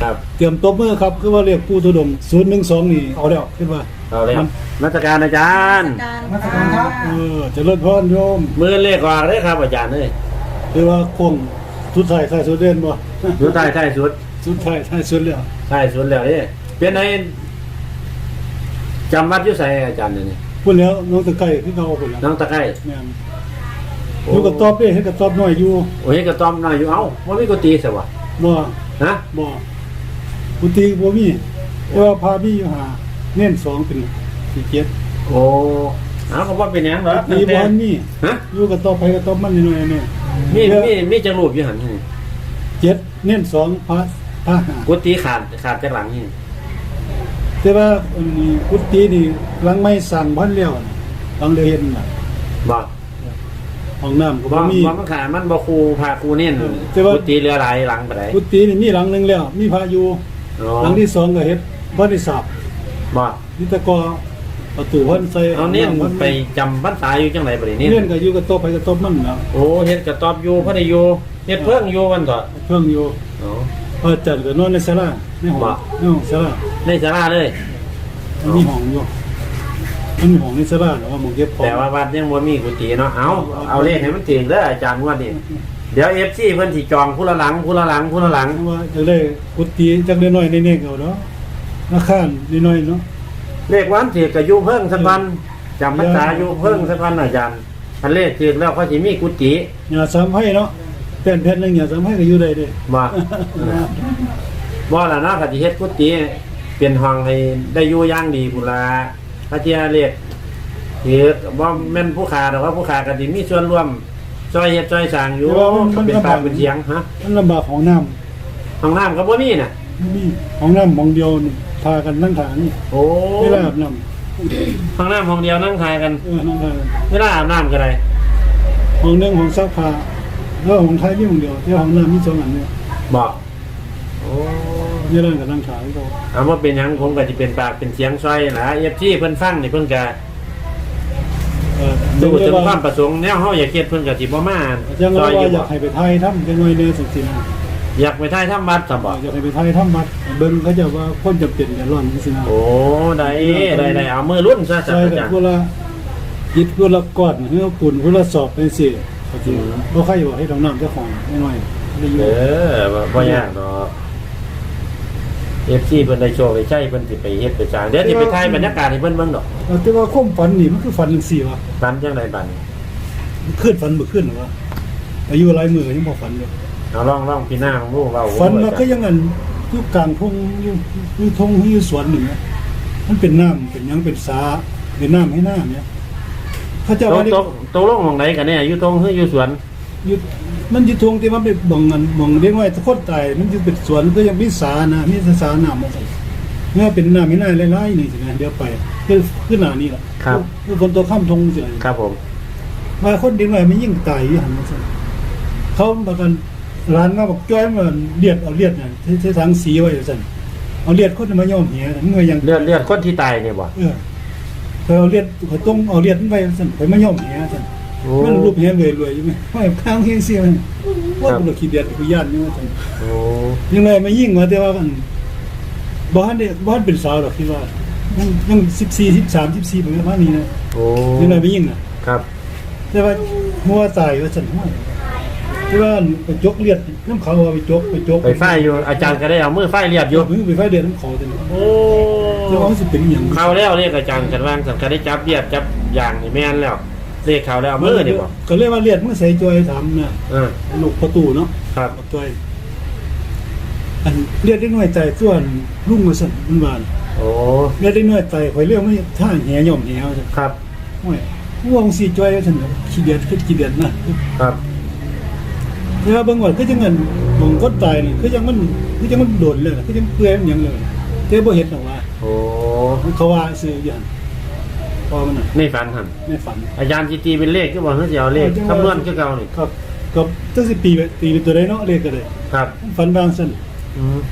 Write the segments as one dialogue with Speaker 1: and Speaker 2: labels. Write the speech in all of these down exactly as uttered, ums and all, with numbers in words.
Speaker 1: ครับ
Speaker 2: เตรียมตบมือครับคือว่าเรียกปูทุดงศูนย์หนึ่งสองนี่เอาแล้วคิดว่า
Speaker 1: เอาเลยนักการอาจารย์
Speaker 3: มาสักการครับ
Speaker 2: เออเจะเลิศพรโยม
Speaker 1: มือเลขออกเลยครับอาจารย์เลย
Speaker 2: คือว่าคงสุดท้ายท้ายสุดเด่นบ่
Speaker 1: สุดท้ายท้ายสุด
Speaker 2: สุดท้ายท้ายสุดแล้ว
Speaker 1: ท้ายสุดแล้วนี่เป็นไงจำวัดอยุไสอาจารย์เนี่ย
Speaker 2: พูดแล้วน้องตะไคร้คือเขาพุ่นแล้ว
Speaker 1: น้องตะไคร้
Speaker 2: แม่นอยู่กับตอบเด้เฮ็ดกับตอบน้อยอยู่
Speaker 1: โอ้ยกระต้อมหน่อยอยู่เอ้าว่ามีกุฏิสิวะ
Speaker 2: บ่
Speaker 1: ฮะ
Speaker 2: บ่ปุติบ่มีแต่ว่าพามีอยู่หาเน้นสองเป็นสี่เจ็ด
Speaker 1: โอ้เอาเขาว่าเป็นหยังเหรอ
Speaker 2: มีบ่อนมี
Speaker 1: ฮะ
Speaker 2: อยู่กับตอบไปกับตอบมันน้อยๆนี่
Speaker 1: มีมีมีจังรูปอยู่หันนี่
Speaker 2: เจ็ดเน้นสองพระพระห้า
Speaker 1: กุฏิขาดขาดจากหลังนี่
Speaker 2: แต่ว่าอันนี้กุฏินี่หลังไม่สั่งพันแล้วน่ะหลังเดียวเห็นน่ะ
Speaker 1: บ่
Speaker 2: ห้องน้ำก็
Speaker 1: บ่
Speaker 2: บ่มี
Speaker 1: บ่มันขาดมันบ่คูพาคูเน้น
Speaker 2: แต่ว่า
Speaker 1: กุฏิเรือหลายหลังไปไหน
Speaker 2: กุฏินี่มีหลังหนึงแล้ว มีพระอยู่
Speaker 1: อ๋อ
Speaker 2: หลังที่สองก็เฮ็ดบ่ได้สาบ
Speaker 1: บ่
Speaker 2: นี่แต่ก็ประตูเพิ่นใส่
Speaker 1: เอาเน้นไปจำพรรษาอยู่จังไรบ่ได้
Speaker 2: เน้
Speaker 1: เน้
Speaker 2: น
Speaker 1: น
Speaker 2: ก็อยู่กับโต๊ะไปกับโต๊ะมันน่ะ
Speaker 1: โอ้เฮ็ดกระตอบอยู่พระได้อยู่เฮ็ดเพิ่งอยู่วันต่อ
Speaker 2: เพิ่งอยู่
Speaker 1: อ๋อ
Speaker 2: พระอาจารย์ก็นอนในศาลาในห้อง
Speaker 1: บ่
Speaker 2: ในห้องศาลา
Speaker 1: ในศาลาเลย
Speaker 2: มันมีห้องอยู่มันมีห้องในศาลาแต่ว่าหมองเก็บของ
Speaker 1: แต่ว่าวัดยังบ่มีกุฏิเนาะเอาเอาเลขให้มันถึงเด้ออาจารย์งวดนี้เดี๋ยว เอฟ ซี เพิ่นสิจองผู้ละหลังผู้ละหลังผู้ละหลัง
Speaker 2: เพราะว่าจะได้กุฏิจักน้อยๆเน้นๆเอาเนาะราคาน้อยๆเนาะ
Speaker 1: เลขวันถือก็อยู่เพิ่งสักวันจำพรรษาอยู่เพิ่งสักวันอาจารย์คันเลขถือแล้วเขาสิมีกุฏิ
Speaker 2: อย่าสามให้เนาะแผ่นแผ่นหนึงอย่าสามให้ก็อยู่ได้เด้
Speaker 1: บ่บ่ล่ะเนาะก็สิเฮ็ดกุฏิเป็นห้องให้ได้อยู่อย่างดีพุ่นล่ะถ้าเที่ยเลขถือบ่แม่นผู้ค้าแต่ว่าผู้ค้าก็สิมีส่วนร่วมช่วยเฮ็ดช่วยสร้างอยู่ก็เป็นปากเป็นเสียงฮะ
Speaker 2: มันลำบากของน้ำ
Speaker 1: ห้องน้ำก็บ่มีน่ะ
Speaker 2: มีของน้ำหมองเดียวนี่พากันนั่งทานนี่
Speaker 1: โอ้
Speaker 2: เวลาอาบน้
Speaker 1: ห้องน้ำห้องเดียวนั่งทายกัน
Speaker 2: ำเออนั่งทาน
Speaker 1: เวลาอาบน้ำก็ได้
Speaker 2: ห้องหนึงของซักผ้าแล้วของไทยมีห้องเดียวแต่ห้องน้ำมีสองอันเนี่ย
Speaker 1: บอกโอ้
Speaker 2: นี่นั่งกับนั่งขายเขา
Speaker 1: เอาว่าเป็นหยังผมก็จะเป็นปากเป็นเสียงซอยนะเอฟซีเพิ่นฟังนี่เพิ่นก็
Speaker 2: เออ
Speaker 1: ดูถึง
Speaker 2: ว่า
Speaker 1: ความประสงค์แนวเฮาอยากเฮ็ดเพิ่นก็สิบ่มา
Speaker 2: จัง
Speaker 1: ซ
Speaker 2: ว่า
Speaker 1: อยอยู่
Speaker 2: อยากให้ไปไทยทำจังไว้เนี่ยสิสินะ
Speaker 1: อยากไปถ่ายทำวัดซะบ่
Speaker 2: อยากให้ไปไทยทำบัดเบิ่งเขาจะว่าคนจะเป็นกันร้อนสินะ
Speaker 1: โอ้ได้ได้ได้เอามือรุ่นซะ
Speaker 2: ใช่
Speaker 1: ซะอา
Speaker 2: แต่
Speaker 1: จารย์
Speaker 2: พวกละยิดพวกละก้อนเฮือปุ่นพวกละสอบเป็นสิเขาจริงบ่ใครบอกให้ทำน้ำเจ้าของน้อยๆได้อยู่
Speaker 1: เออบ่บ่ยากดอก เอฟ ซี เพิ่นได้โชว์ไปใช้เพิ่นสิไปเฮ็ดไปสร้างเดี๋ยวสิไปถ่ายบรรยากาศให้เพิ่นเบิ่งดอก
Speaker 2: แต่ว่าความฝันนี่มันคือฝันจังซี่วะ
Speaker 1: ฝันจังไดบัดนี้
Speaker 2: ขึ้นฝันบ่ขึ้นหรอวะอายุหลายมื้อยังบ่ฝันเลย
Speaker 1: เอาลองลองพี่หน้าของลูกเรา
Speaker 2: ฝันว่าก็ยังอันอยู่กลางทุ่งอยู่อยู่ทุ่งอยู่สวนนี่นะมันเป็นน้ำเป็นหยังเป็นสาเป็นน้ำให้น้ำเนี่ยเขาเจ้า
Speaker 1: ต
Speaker 2: ว่าก นี่
Speaker 1: ตกตกลงหม่องใดกันแน่อยู่ตรงหรืออยู่สวน
Speaker 2: อยู่มันอยู่ทุ่งที่มันเป็นบ่งอันบ่งเลี้ยงไว้ทุกคนตายมันอยู่เป็นสวนก็ยังมีสานะมีสาน้ำมาใส่เมื่อเป็นน้ำให้น้ำหลายๆนี่สินะเดี๋ยวไปคือคือหน้านี่ล่ะคือคนตัวข้ามทงสิ
Speaker 1: ครับผม
Speaker 2: มาคนดิ้งไว้มันยิ่งตายอยู่หั่นว่าซั่นเขาบอกกันร้านมาบอกจ้อยมันเลียดเอาเลียดน่ะใช้ทางสีไว้ซั่นเอาเลียดคนมาย่อมเหียมันก็ยัง
Speaker 1: เลือดเลือดคนที่ตายเนี่ยบ่
Speaker 2: เออเคยเอาเลียดเขาต้องเอาเลียดมันไปสั่นไปมาย่อมแหสั่น
Speaker 1: โอ้
Speaker 2: มันรูปแหรวยรวยๆอยู่ไหมไม่ข้างเฮียเสียมันว่าบุรุษขี้เดียดกูย่านนี่ว่าสั่น
Speaker 1: โอ้
Speaker 2: ยังไงมายิ่งมาแต่ว่ามันบ้านเนี่ยบ้านเป็นสาวหรอกคิดว่ายังยังสิบสี่สิบสามสิบสี่ประมาณนี้นะ
Speaker 1: โอ้
Speaker 2: ยังไงมายิ่งน่ะ
Speaker 1: ครับ
Speaker 2: แต่ว่าหัวตายว่าสั่นหัวที่ว่าไปจกเลียดน้ำเขาเอาไปจกไปจก
Speaker 1: ไปไฟอยู่อาจารย์ก็ได้เอามือไฟเรียบอยู่
Speaker 2: มือไปไฟเลียดน้ำเขาแต่
Speaker 1: โอ้
Speaker 2: แล้วมันสิเป็นอหย่าง
Speaker 1: เข้าแล้วเรียกอาจารย์กันว่างสังกัดได้จับเรียบจับอย่างนี่แม่นแล้วเรียกเขาแล้วเอามือนี่บ่
Speaker 2: ก็เรียกว่าเลียดมันใส่จอยทำน่ะ
Speaker 1: เออ
Speaker 2: ลูกประตูเนาะ
Speaker 1: ครับ
Speaker 2: ตัวไอ้อันเรียกได้หน่วยใจส่วนรุ่งมาสั่นมันบาน
Speaker 1: โอ้
Speaker 2: เรียกได้หน่วยใจข่อยเรียกไม่ท่าแหย่อมแหวสั่น
Speaker 1: ครับ
Speaker 2: โอ้ยห่วงสีจ้อยสั่นขี้เดียดคือขี้เดียดนะครับ เวลาบางวันก็จังเงินบางคนตายนี่คือจังมันคือจังมันโดนเลยคือจังเปื่อยมันหยังเลยแต่บ่เห็นหรอกว่า
Speaker 1: โอ้
Speaker 2: เขาว่าซื้ออย่างพอมันน่ะ
Speaker 1: ในฝันหั่น
Speaker 2: ในฝัน
Speaker 1: อาจารย์สิตีเป็นเลขคือบ่เฮาสิเอาเลขคำนวณคือเก่านี่
Speaker 2: ครับกับตั้งสิบปีไปตีเป็นตัวใดเนาะเลขก็ได้
Speaker 1: ครับ
Speaker 2: ฝันบางสั่น
Speaker 1: อืม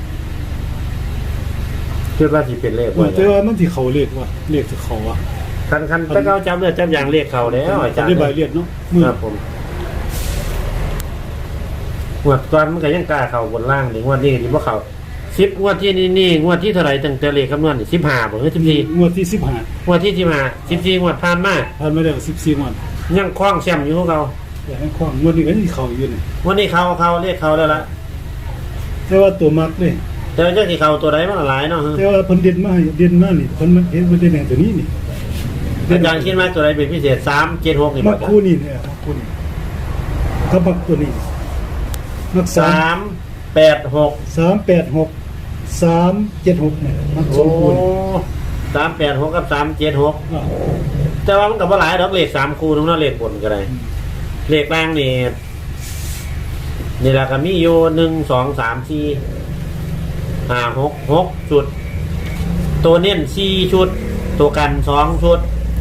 Speaker 1: คิดว่าสิเป็นเลข
Speaker 2: เอ
Speaker 1: ว่า
Speaker 2: อแต่ว่ามันสิเขาเลขว่าเลขสิเขาอ่ะ
Speaker 1: คันคันถ้าเขาจับเลือดจับอย่างเลขเขาแล้วอาจารย์
Speaker 2: ได้ใบเลียดเนาะมือ
Speaker 1: ครับผมหวดก่อนมันก็ยังกล้าเข้าบนล่างหรืองวดนี้ที่ว่าเขาสิบงวดที่นี่นี่งวดที่เท่าไหร่ตั้งแต่เลขคำนวณนี่สิบห้าบ่หรือสิบสี่
Speaker 2: งวดที่สิบห้าง
Speaker 1: วดที่สิบห้าสิบสี่งวดผ่านมา
Speaker 2: ผ่านมาแล้วสิบสี่งวด
Speaker 1: ยังคล้องแชมป์อยู่ของเรา
Speaker 2: อยากให้ความงวดนี้ก็ที่เขาอยู่นี่
Speaker 1: วันนี้เขาเขาเรียกเขาแล้วละ
Speaker 2: แต่ว่าตัวมักเลย
Speaker 1: แต่ว่าเจ้าที่เขาตัวใดมันหลายเนาะฮะ
Speaker 2: แต่ว่าเพิ่นเด่นมาให้เด่นมานี่เพิ่นมันเห็นมันเด่นแห่งตัวนี้นี่
Speaker 1: อาจารย์คิดว่าตัวใดเป็นพิเศษสามเจ็ดหกนี่
Speaker 2: มั
Speaker 1: บ่
Speaker 2: ก
Speaker 1: จ๊ะ
Speaker 2: คู่นี่เนี่ยมักคู่นี่ถ้ามักตัวนี้มักสา
Speaker 1: สาม มแปดหก
Speaker 2: สามแปดหกสามเจ็ดหกเนี่ยมักสอ
Speaker 1: โอ้
Speaker 2: งคู่นี่
Speaker 1: สามแปดหกกับสามเจ็ดหก
Speaker 2: อ่า
Speaker 1: แต่ว่ามันกับว่าหลายดอกเลขสามคู่นึงเนาะเลขบนก็ได้เลขล่างนี่นี่แหละก็มีอยู่หนึ่งสองสามสี่ห้าหกหกชุด ตัวเน้นสี่ชุด ตัวกันสองชุด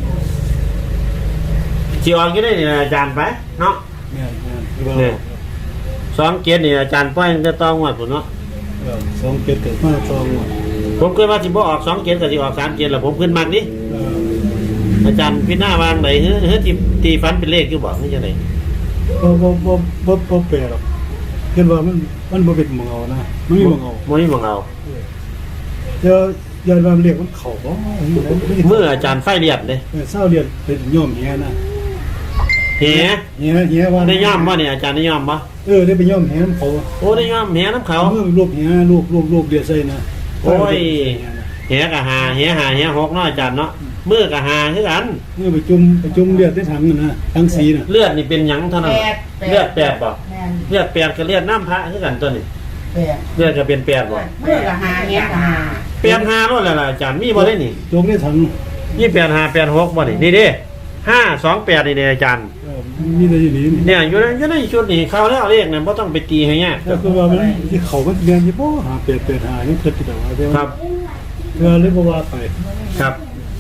Speaker 1: จีออนก็ได้นี่นะอาจารย์ไปเนาะ
Speaker 2: เนี่ยเนี่ยคือว่า
Speaker 1: เนี่ยสองเกียรนี่อาจารย์ป้อยจะต้องวัดผมเนาะ
Speaker 2: เออสองเจ็ดเกิดมาสองงวด
Speaker 1: ผมเคยว่าสิบ่ออกสองเกียรกับสิออกสามเกียรแหละผมขึ้นมากนี่
Speaker 2: เออ
Speaker 1: อาจารย์พี่หน้าวางไหนเฮ้ยเฮ้ยตีตีฟันเป็นเลขอยู่บอกนี่จะไหน
Speaker 2: บ่บ่บ่บ่บ่แปลหรอกเห็นว่ามันมันบ่เป็นหมองเอานะมันมีหมองเอา
Speaker 1: โมนี่มองเอา
Speaker 2: เดี๋ยวย้อนว่ามันเรียกมันเข้าบ่
Speaker 1: เมื่ออาจารย์ไฟเรียบเลย
Speaker 2: เออเศร้าเรียนเป็นโยมเฮียนะ
Speaker 1: เหี้ย
Speaker 2: เฮียเฮียว่า
Speaker 1: ได้ย่อมป่ะเนี่ยอาจารย์ได้ย่อมป่ะ
Speaker 2: เออได้ไปโยมเฮียนำเขา
Speaker 1: โอ้ได้ย่อมเหี้ยน้ำเขา
Speaker 2: เมื่อรูปเฮียรูปรูปรูปเรียใส่นะ
Speaker 1: โอ้ย เหี้ยกับหาเหี้ยหาเหี้ยหกเนาะอาจารย์เนาะเมื่อกับหาคือกัน
Speaker 2: เมื่อไปจุ่มไปจุ่มเลือดได้ถังน่ะนะถังสีน่ะ
Speaker 1: เลือดนี่เป็นหยังเท่านั้น
Speaker 3: แปด
Speaker 1: เลือดแปดบ่
Speaker 3: แม่น
Speaker 1: เลือดแปดกับเลือดน้ำพระคือกันตัวนี้
Speaker 3: แปด
Speaker 1: เลือดก็เป็นแปดบ่
Speaker 3: เมื่อกับหาเนี้ยกับหา
Speaker 1: แปดห้าโน่นแหละล่ะอาจารย์มีบ่ได้นี่
Speaker 2: จงได้ถัง
Speaker 1: ยี่แปดห้าแปดหกบ่นี่นี่เด้ห้าสองแปดนี่เด้อาจารย์
Speaker 2: เออมีแต่อยู่นี่นี่
Speaker 1: เนี่ยอยู่ในอยู่ในชุดนี่เข้าแล้วเลขเนี่ยบ่ต้องไปตีให้ยาก
Speaker 2: แต่คือว่ามันที่เขามันเรียนอยู่บ่หาเปดเปดหายังเกิดแต่ว่าแต่
Speaker 1: ค
Speaker 2: ว่า
Speaker 1: รับ
Speaker 2: เออเลยบ่ว่าไป
Speaker 1: ครับ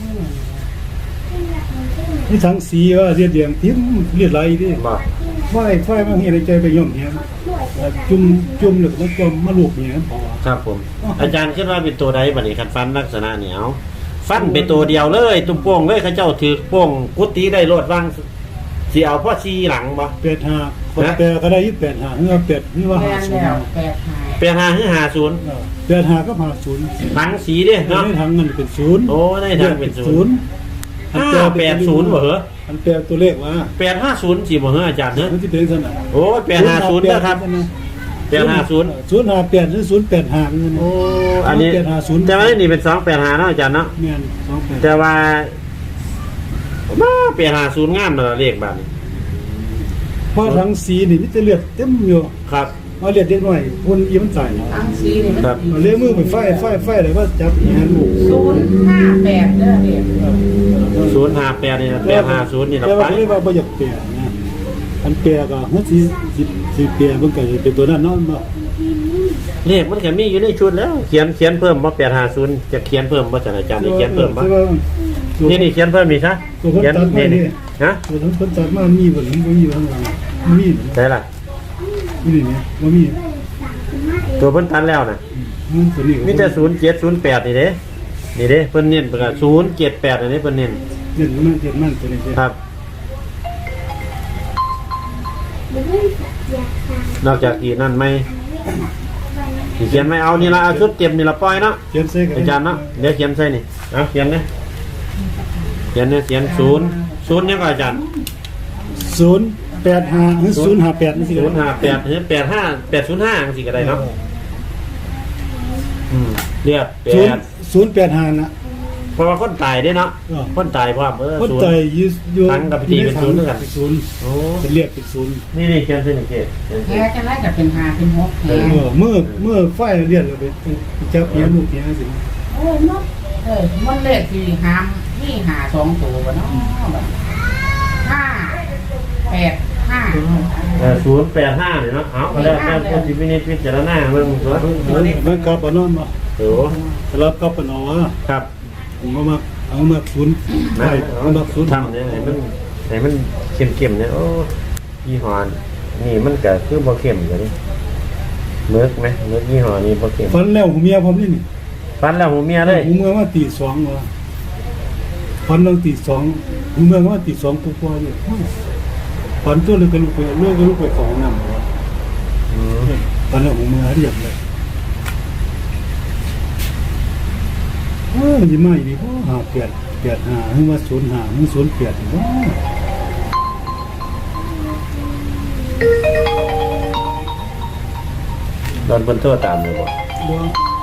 Speaker 2: นี่ถังสีว่าเรียดเดียงทิ่มเรียดไหลดิ
Speaker 1: บ่
Speaker 2: ไฟไฟมันเฮ็ดให้ใจไปโยมเฮียจุ่มจุ่มแล้วก็มาจุ่มมาลูกเฮียพอ
Speaker 1: ครับผม อาจารย์คิดว่าเป็นตัวใดบัดนี้คันฟันลักษณะเนี่ยเอาฟันเป็นตัวเดียวเลยตุ้มโป่งเลยเขาเจ้าถือโป่งกุฏิได้โลดว่างสิเอาพ่อซีหลังบ่
Speaker 2: แปดห้าคนแปดก็ได้ยี่แปดห้าเฮือแปดเฮือว่า
Speaker 3: แม่
Speaker 2: หาน ศูน
Speaker 3: แล้ว
Speaker 2: ย์
Speaker 3: แปดหา
Speaker 1: แปดห้าหรือห้าศูนย์
Speaker 2: แปดห้าก็หาศูนย์
Speaker 1: หลังสีเด้เนาะ
Speaker 2: ในทางเงินเป็นศูนย์
Speaker 1: โอ้ในทางเป็นศูนย์
Speaker 2: อัน
Speaker 1: ห้าแปดศูนย์บ่เหรอ
Speaker 2: อันแปลตัวเลขว่า
Speaker 1: แปดห้าศูนย์สิบ่เหรออาจารย์เนอะ
Speaker 2: มันจะเป็นขนาด
Speaker 1: โอ้แปดห้าศูนย์นะครับแปดห้าศูนย์
Speaker 2: ศูนย์ห้าแปดหรือศูนย์แปดห้าเงิน
Speaker 1: โอ้อันนี้
Speaker 2: แปดห้าศูนย์
Speaker 1: แต่ว่านี่เป็นสองแปดห้าเนาะอาจารย์เนาะ
Speaker 2: เมียนสองแปด
Speaker 1: แต่ว่ามาแปดห้าศูนย์งามเลยเลขแบบนี้
Speaker 2: เพราะทั้งสีนี่มีแต่เลือดเต็มอยู่
Speaker 1: ครับ
Speaker 2: เอาเลือดเด็กหน่อยคนอีมันใส่
Speaker 3: ทั้งสีนี่มัน
Speaker 1: ครับ
Speaker 2: เอาเลี้ยมือไปไฟไฟไฟเลยว่าจับแหนลูก
Speaker 3: ศูนย์ห้าแปดเด้อเด็ก
Speaker 1: ศูนย์ห้าแปดนี่นะแปดห้าศูนย์นี่เรา
Speaker 2: แต่
Speaker 1: ไป
Speaker 2: ว่าเรียกว่าบ่อยากแปลนะอันแปลก็เฮ็ดสิสิสิแปลเบิ่งก็สิเป็นตัวนั้นเนาะบ่
Speaker 1: เลขมันก็มีอยู่ในชุดแล้ว เขียนเขียนเพิ่มว่าแปดห้าศูนย์จะเขียนเพิ่มว่าจะอาจารย์นี่เขียนเพิ่มป่ะ
Speaker 2: แต่ว่าตัว
Speaker 1: นี่นี่เขียนเพิ่มมีซะ
Speaker 2: ตัวคน
Speaker 1: เขียน
Speaker 2: ตัดมา
Speaker 1: นี่
Speaker 2: นี่
Speaker 1: นี่ฮะ
Speaker 2: ตัวคนตัดมามีบ่หรือบ่มีอยู่ข้างหลังมีบ่
Speaker 1: ใช่ล่ะ
Speaker 2: นี่นี่บ่มี
Speaker 1: ตัวเพิ่นตันแล้วนะ
Speaker 2: อืมตัวนี้ก็
Speaker 1: มีแต่ศูนย์เจ็ดศูนย์แปดนี่เด้นี่เด้เพิ่นเน้นเพิ่นก็ศูนย์เจ็ดแปดอันนี้เพิ่นเน้น
Speaker 2: เด่นมันเด่นมันตัวนี้เด่น
Speaker 1: ครับ นอกจากอีกนั่นไหมสิเขียนไม่เอานี่ละเอาชุดเต็มนี่ละปล่อยเนาะ
Speaker 2: เขียนใส่กัน
Speaker 1: อาจารย์เนาะเดี๋ยวเขียนใส่นี่เอาเขียนเนี่ยเขียนเนี่ยเขียนศูนย์ศูนย์เนี่ยก็อาจารย์
Speaker 2: ศูนย์แปดห้าหรือศูนย์ห้าแปดนี่สิ
Speaker 1: ศูนย์ห้าแปดหรือแปดห้าแปดศูนย์ห้าสิก็ได้เนาะอืมเรียกแป
Speaker 2: ศูนย์
Speaker 1: ด
Speaker 2: ศูนย์แปดห้านะ
Speaker 1: เพราะว่าคนตายได้เนาะ
Speaker 2: เออ
Speaker 1: คนตายเพราะว่าเออ
Speaker 2: คน
Speaker 1: ศูน
Speaker 2: ใจ
Speaker 1: ย์
Speaker 2: ยือยู่
Speaker 1: ทั้งกับพิธีเป็นศูนย์ด้วยกัน
Speaker 2: เป็นศูนย์
Speaker 1: โอ้
Speaker 2: เป็นเรียกเป็นศูนย์
Speaker 1: นี่นี่เขียนใส่นี่เกศเขียน
Speaker 3: แพ้
Speaker 1: ใส่
Speaker 3: จะไล่กับเป็นหาเป็นหกแพ้
Speaker 2: เออเมื่อเมื่อไฟเรียกเราไปจับเพียลูกเพียสิ
Speaker 3: โอ้ยมดเอ้ยมันเลขที่หามนี่หาสองตัวบ่เนาะแบบห้าแปดห้า
Speaker 1: เออศูนย์แปดห้าเนี่ยเนาะเอาก็แล้วแต่คนที่วินิจพิจารณาเรื่องสวน
Speaker 2: มันกลับเอานอนมา
Speaker 1: โอ้
Speaker 2: รับกลับเอานอน
Speaker 1: ครับ
Speaker 2: ผมก็มาเอามาศูนย์
Speaker 1: นะ
Speaker 2: ใช่เอามาศูนย์
Speaker 1: ทำเนี่ยไหนมันไหนมันเข้มๆเนี่ยโอ้ยี่ห้อนี่มันก็คือบ่เข้มอยู่นี่เมือกไหมเมือกยี่ห้อนี้บ่เข้ม
Speaker 2: ฟันแล้วหูเมียผมนี่นี่
Speaker 1: ฟันแล้วหูเมียเลย
Speaker 2: หูเมืองว่าตีสองวะฟันเราตีสองหูเมืองว่าตีสองปุ๊บว่าอยู่ฟันตัวเลยก็ลุกไปเลื่อยก็ลุกไปของน้ำวะ
Speaker 1: อืม
Speaker 2: ฟันแล้วหูเมืองเรียบเลยมันสิมาอีกบ่ห้าแปดแปดห้าหรือว่าศูนย์ห้าหรือศูนย์แปดบ่
Speaker 1: ตอนเพิ่นโทรตามเลยบ่
Speaker 2: บ่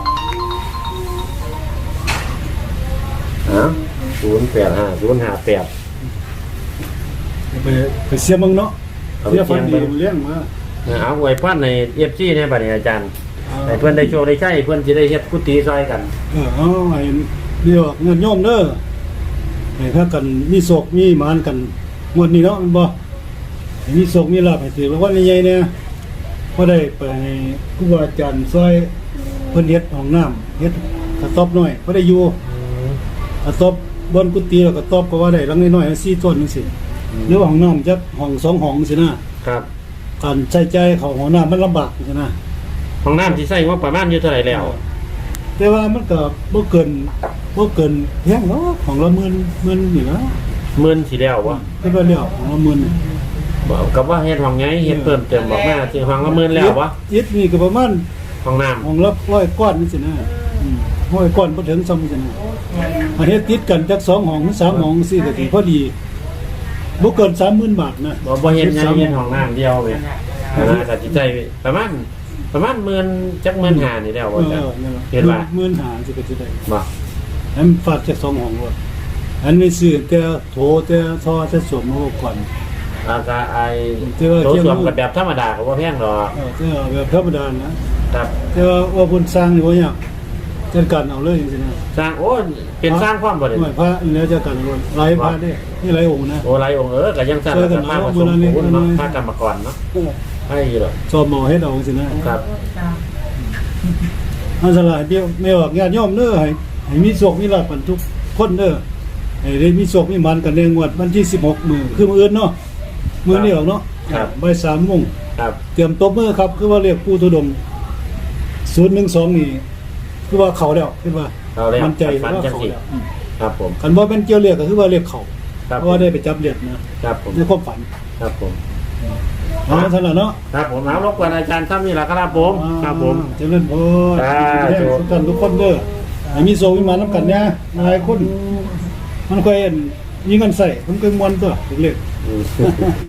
Speaker 1: ฮะศูนย์แปดห้าศูนย์ห้าแปด
Speaker 2: ไปไปเสียเบิ่งเนาะเสียฟันดีเลี้ยงมา
Speaker 1: เอาไว้พันใน เอฟ ซี ในบัดนี้อาจารย์ให้เพิ่นได้โชคได้ใช้เพิ่นสิได้เฮ็ดกุฏิซอยกัน
Speaker 2: เออเอาไอ้เรียกว่าเงินโยมเด้อให้พากันมีโศกมีหมานกันงวดนี้เนาะมันบ่ให้มีโศกมีลาภให้ถือรางวัลใหญ่ๆเนี่ยบ่ได้ไปให้ครูบาอาจารย์ซอยเพิ่นเฮ็ดห้องน้ำเฮ็ดกระต๊อบน้อยบ่ได้อยู่กระต๊อบบนกุฏิแล้วกระต๊อบก็ว่าได้หลังน้อยๆสี่ต้นจังซี่หรือว่าห้องน้ำจักห้องสองห้องจังซี่นะครับ การใช้จ่ายเข้าห้องน้ำมันลำบากจังซี่นะ
Speaker 1: ห้องน้ำที่ใช้งบประมาณอยู่เท่าไหร่แล้ว
Speaker 2: แต่ว่ามันก็บ่เกินบ่เกินแพงเนาะของละหมื่นหมื่นนี่นะ
Speaker 1: หมื่นสิแล้วบ่
Speaker 2: คิดว่าแล้วของละหมื่นนี่
Speaker 1: บอกกับว่าเฮ็ดห้องไงเฮ็ดเพิ่มเติมบอกมาสิห้องละหมื่นแล้วบ่
Speaker 2: ยึดนี่ก็ประมาณ
Speaker 1: ห้องน้ำ
Speaker 2: ของละร้อยก้อนนี่สินะอืมร้อยก้อนบ่ถึงซ้ำสินะอันนี้ติดกันจักสองห้องหรือสามห้องสี่ก็สิพอดีบ่เกิน สามหมื่น บาทนะ
Speaker 1: บ่บ่เฮ็ดไงเฮ็ดห้องน้ำเดียวแม่นะก็สิใจประมาณประมาณหมื่นจักหมื่นห้านี่แล้ว
Speaker 2: เอ
Speaker 1: บ่
Speaker 2: อ
Speaker 1: จ้ะ
Speaker 2: นั่นล่ะ
Speaker 1: เห็นว่า
Speaker 2: หมื่นห้าสิก็สิได้
Speaker 1: บ่
Speaker 2: อันฝากจากสองห้องว่าอันนี้ซื้อแต่โถแต่ท่อแต่สวมมาก่อน
Speaker 1: อาก็ไอ้
Speaker 2: เจอ
Speaker 1: โถ
Speaker 2: เจอ
Speaker 1: ส้วมกับแบบธรรมดาก็บ่แพงดอก
Speaker 2: เออแต่แบบธรรมดานะครับ แต่ว่าว่าเพิ่นสร้างนี่บ่ยากจัดการเอาเลยจังซี่นะ
Speaker 1: สร้างโอ้เป็นสร้างความบ่ได้
Speaker 2: หน่วยพระแล้วจัดการเอาหลายพระเด้นี่หลายองค์นะ
Speaker 1: โอ้หลายองค์เออก็ยังสร้าง
Speaker 2: ช่วยกัน
Speaker 1: สภาพผ
Speaker 2: เอา
Speaker 1: สม
Speaker 2: บุญ
Speaker 1: ปูน
Speaker 2: อันนี้
Speaker 1: เนาะ
Speaker 2: อันนี้
Speaker 1: พระกรรมกรเนาะให้อยู่ดอก
Speaker 2: สอบหมอเฮ็ดเอาจังซี่นะครับ อันสลายเดียวแม่ว่าญาติโยมเด้อให้ให้มีโชคมีลาภกันทุกคนเด้อให้ได้มีโชคมีหมันกันในงวดวันที่สิบหกมื้อคือมื้ออื่นเนาะมื้อนี้ออกเนาะบ่ายสามโมง
Speaker 1: ครับ
Speaker 2: เตรียมตบมือครับคือว่าเรียกผู้ทุดงศูนย์หนึ่งสองนี่คือว่าเขาแล้วคือว่า
Speaker 1: เอาแล้ว
Speaker 2: มั่นใจ
Speaker 1: ฟัน
Speaker 2: ว่า
Speaker 1: จัง
Speaker 2: เขา
Speaker 1: สิ
Speaker 2: แล้ว
Speaker 1: ครับผม
Speaker 2: คันบ่เป็นเกี่ยวเรียกก็คือว่าเรียกเขา
Speaker 1: ครับ
Speaker 2: เพราะว่าได้ไปจับเรียกนะครับ
Speaker 1: ผม
Speaker 2: ในความฝัน
Speaker 1: ครับผม
Speaker 2: เอาเท่านั้นเนาะ
Speaker 1: ครับผมเอารบกวนอาจารย์ท่านนี่แหละครับผมครับผม
Speaker 2: เจริญพร
Speaker 1: สาธุ
Speaker 2: ทุกท่านทุกคนเด้อให้มีโซมีมานํกันเนี่ยหลายคนมันค่อยมีเงินใส่มันก็มวนตัวเล็กๆ
Speaker 1: อืม